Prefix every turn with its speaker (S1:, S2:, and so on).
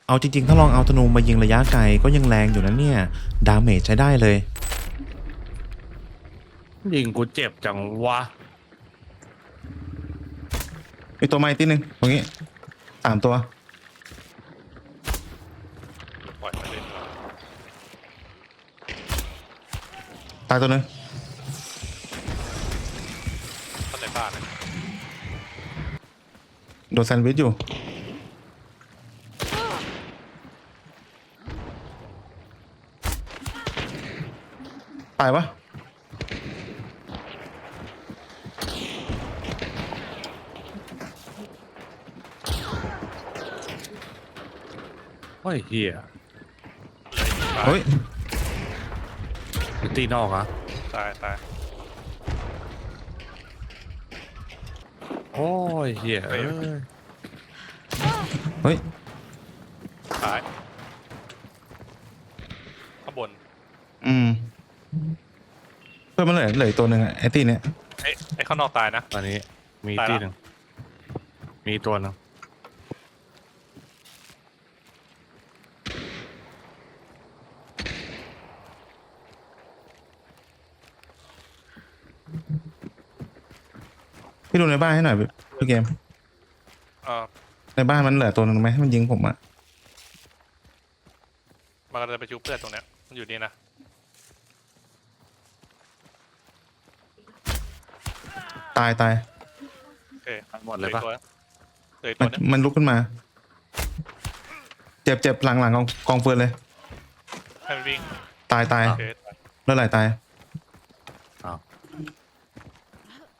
S1: เอาจริงๆถ้าลองเอาธนูมายิงระยะไกลก็ยังแรงอยู่นะเนี่ยดาเมจใช้ได้เลย
S2: ยิงกูเจ็บจังวะ
S1: อีกตัวใหม่ที่หนึ่งตรงนี้3 ตัว
S3: ปล่อยมันเล่น
S1: ตายตัวหนึ่ง
S3: เข้าในบ้านเลย
S1: โดนแซนด์วิชอยู่ตายปะ
S2: โอ้ยเฮีย
S3: เลยตาย
S1: เฮ้ย
S2: ตีนอกอะ
S3: ตายตาย
S2: โอ้ยเฮีย
S1: เฮ้ย
S3: ตายข้างบน
S1: เพื่อนมันเหลืออีกตัวหนึ่งอะไอ้ตีเนี่ย
S3: ไอ้ข้างนอกตายนะ
S2: ตอนนี้มี
S3: ตายละ
S2: ตีหนึ่งมีตัวหนึง
S1: พี่ดูในบ้านให้หน่อยพี่เกม
S3: เออ
S1: ในบ้านมันเหลือตัวหนึ่งไหมมันยิงผมอะ
S3: มันก็จะไปชุบเพื่อนตรงเนี้ยมันอยู่นี่นะ
S1: ตาย
S3: โอเค
S2: หมดเลยปะ
S3: เหลือ
S1: มั
S3: ตั
S1: น
S3: วนึง
S1: มันลุกขึ้นมา เจ็บหลังกองเฟือนเลย
S3: ให้มันวิ่ง
S1: ตาย
S3: โอเคตาย
S1: เลือดไหลตาย